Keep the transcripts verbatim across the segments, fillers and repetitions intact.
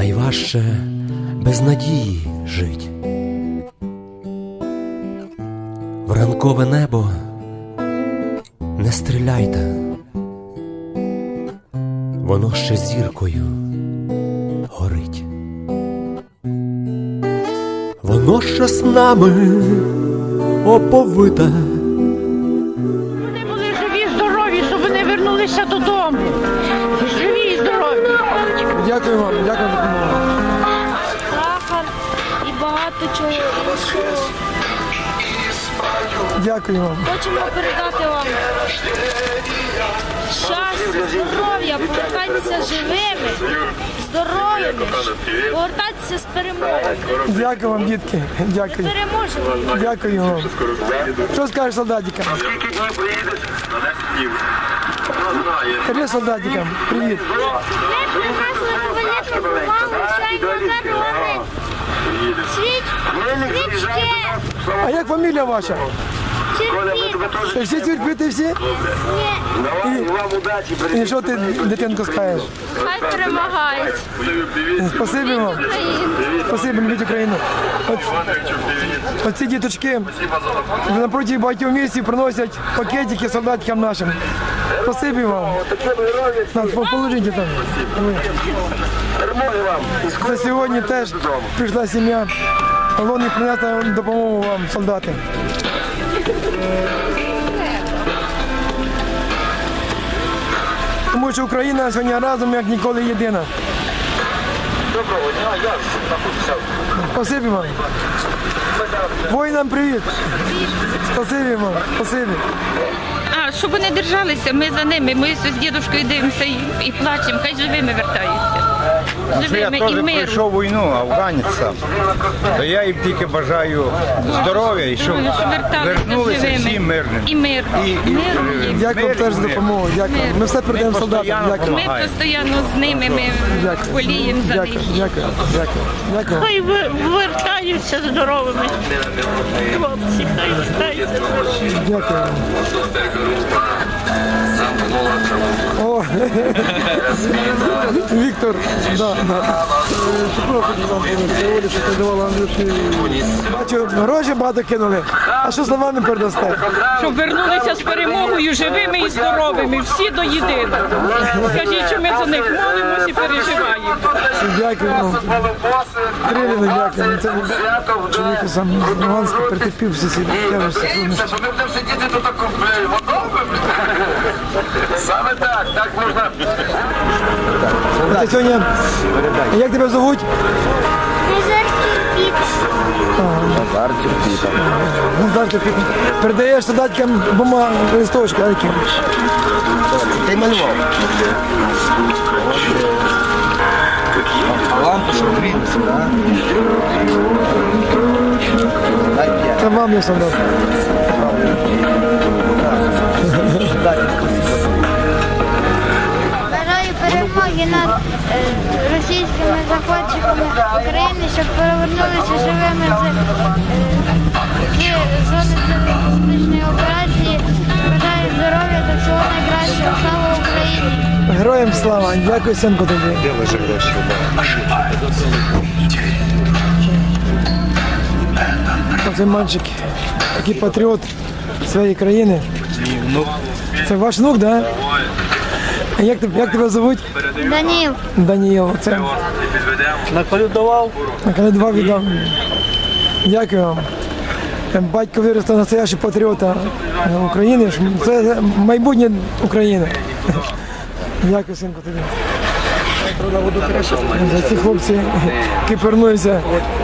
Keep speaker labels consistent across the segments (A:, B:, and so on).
A: Найважче без надії жить. В ранкове небо не стріляйте, воно ще зіркою горить. Воно ще з нами оповите.
B: Вони були живі, здорові, щоб вони вернулися додому. Живі і здорові.
C: Дякую вам, дякую за допомогу.
D: Сахар і багато чого іншого.
C: Дякую вам.
D: Хочемо передати вам щастя, здоров'я, повертайтеся живими, здоровими, повертайтеся з перемогою.
C: Дякую вам, дітки. Дякую.
D: Переможемо.
C: Дякую вам. Що скажеш солдатикам?
E: Скільки днів приїдеш? На десять днів.
C: Кажи солдатикам. Привіт.
D: Ми принесли повелітну увагу, щойно забрали свіч, свічки,
C: А як фамілія ваша?
D: черпіт.
C: Всі терпіти всі?
D: Ні,
C: І,
E: Вам удачі.
C: і що ти, дитинко, скажеш?
D: хай перемагають.
C: Спасибі вам.
D: Україну.
C: Спасибі, любіть Україну. От, оці діточки вже напроти багатьох місяців приносять пакетики солдатикам нашим. Спасибі вам. На, положіть там.
E: Перемоги вам.
C: Це сьогодні теж прийшла сім'я. Олони принесла допомогу вам, солдати. Тому що Україна сьогодні разом, як ніколи, єдина.
E: Доброго дня, я знаходжуся.
C: Спасибі вам. Воїнам привіт. Спасибі вам. Спасибі.
B: А, щоб вони держалися, ми за ними, ми з дідушкою дивимося і, і плачемо, хай живими вертаються.
F: Я
B: Живими і
F: теж
B: миру.
F: пройшов війну, афганець сам. То я їм тільки бажаю здоров'я і щоб
B: Щоб верталися
F: вернулися
B: живими.
F: всі мирними.
B: І мир.
F: І- і-
B: Миру їм.
C: Дякую вам теж за допомогу. Дякую. Ми все передаємо
F: Ми
C: солдатам.
F: постійно
C: Дякую.
B: Ми
F: Помагає.
B: постійно з ними, ми
C: Дякую.
B: боліємо за
C: Дякую.
B: них.
C: Дякую. Дякую. Дякую.
B: Хай вертаються здоровими. Хлопці, хай вертаються.
C: Дякую. О, Віктор, да, да. Бачу, гроші багато кинули. А що словами передасте?
B: Щоб вернулися з перемогою живими і здоровими, всі до єдиного. Скажіть, що ми за них молимося і переживаємо.
C: Дякую вам. Кривіно дякую. Це чоловік сам Луганський перетерпів всі ці тяжкості.
E: Щоб ми будемо сидіти тут таку готовими. Саме так, так можна.
C: Ти сьогодні, як тебе зовуть?
D: Назар Черпіт.
C: Назар Черпіт. Передаєш солдаткам бумагу, листочки, а які?
F: Ти малював. Лампу, що грілися, так?
C: Це вам я солдат.
D: Бажаю перемоги над е, російськими захватчиками України, щоб повернулися живими з, е, з зони терористичної операції. Бажаю здоров'я та всього найкращого. Слава Україні!
C: Героям слава. Дякую, синку, тобі.
F: Де лежить гроші?
C: Це мальчик, такий патріот своєї країни. Це ваш внук, так? Да? А як, тебе- як тебе звуть?
D: Даніл,
C: Даніїл. Це наколядував? Наколядував віддав. Дякую вам. Батько виріс на настоящого патріота України. Це майбутнє України. Дякую, синку, тобі. За ці хлопці, які повернулися.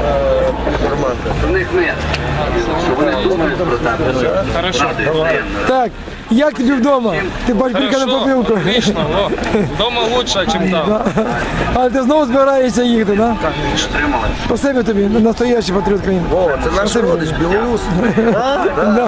E: В них нет. Щоб вони думали про тебе. Хорошо.
C: Так, як тобі вдома? Ти бачиш приїхав на попілку.
G: Отлично, о, дома лучше, чем там.
C: Але ти знову збираєшся їхати, так?
E: Тримали.
C: Спасибі тобі, настоящий патріот країни.
F: О, це наш родич, білорус.
C: Да.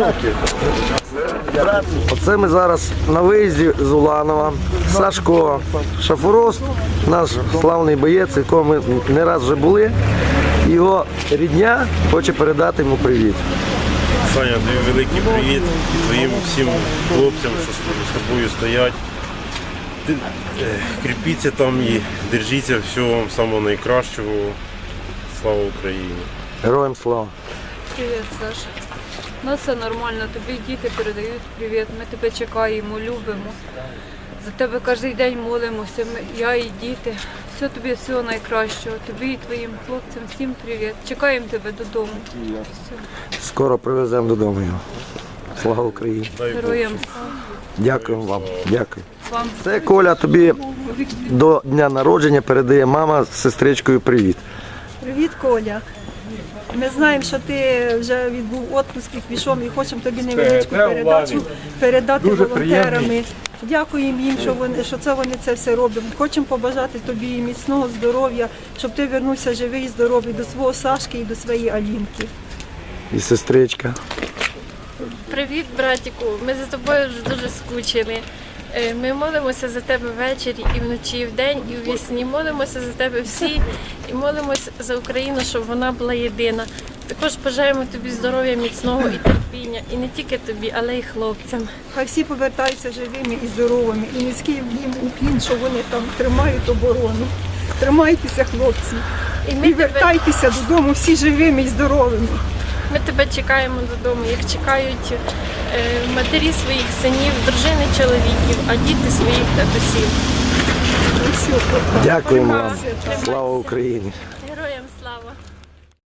H: Оце ми зараз на виїзді з Уланова. Сашко Шафурост, наш славний боєць, якого ми не раз вже були. Його рідня хоче передати йому привіт.
I: Саня, тобі великий привіт твоїм всім хлопцям, що з тобою стоять. Кріпіться там і держіться, всього вам самого найкращого. Слава Україні!
H: Героям слава!
J: Привіт, Саша. У нас все нормально, тобі діти передають привіт, ми тебе чекаємо, любимо. За тебе кожен день молимося, ми, я і діти. Все тобі всього найкращого, тобі і твоїм хлопцям всім привіт. Чекаємо тебе додому. Все.
H: Скоро привеземо додому його. Слава Україні!
J: Героям слава.
H: Дякуємо вам. Дякую.
J: Вам
H: Це Коля тобі до дня народження передає мама з сестричкою привіт.
K: Привіт, Коля. Ми знаємо, що ти вже відбув відпуск і пішов, і хочемо тобі невеличку передачу передати волонтерами. Дякуємо їм, що вони що це вони це все роблять. Хочемо побажати тобі міцного здоров'я, щоб ти вернувся живий і здоровий до свого Сашки і до своєї Алінки.
H: І сестричка.
L: Привіт, братику. Ми за тобою вже дуже скучили. Е, Ми молимося за тебе ввечері і вночі, і вдень, і ввісні. Молимося за тебе всі і молимося за Україну, щоб вона була єдина. Також бажаємо тобі здоров'я міцного і терпіння. І не тільки тобі, але й хлопцям.
K: Хай всі повертаються живими і здоровими. І низький їм уклін, що вони там тримають оборону. Тримайтеся, хлопці.
L: І
K: І,
L: ми тебе,
K: вертайтеся додому всі живими і здоровими.
L: ми тебе чекаємо додому, як чекають е, матері своїх синів, дружини чоловіків, а діти своїх татусів.
K: І все.
H: Дякуємо вам. Слава Україні!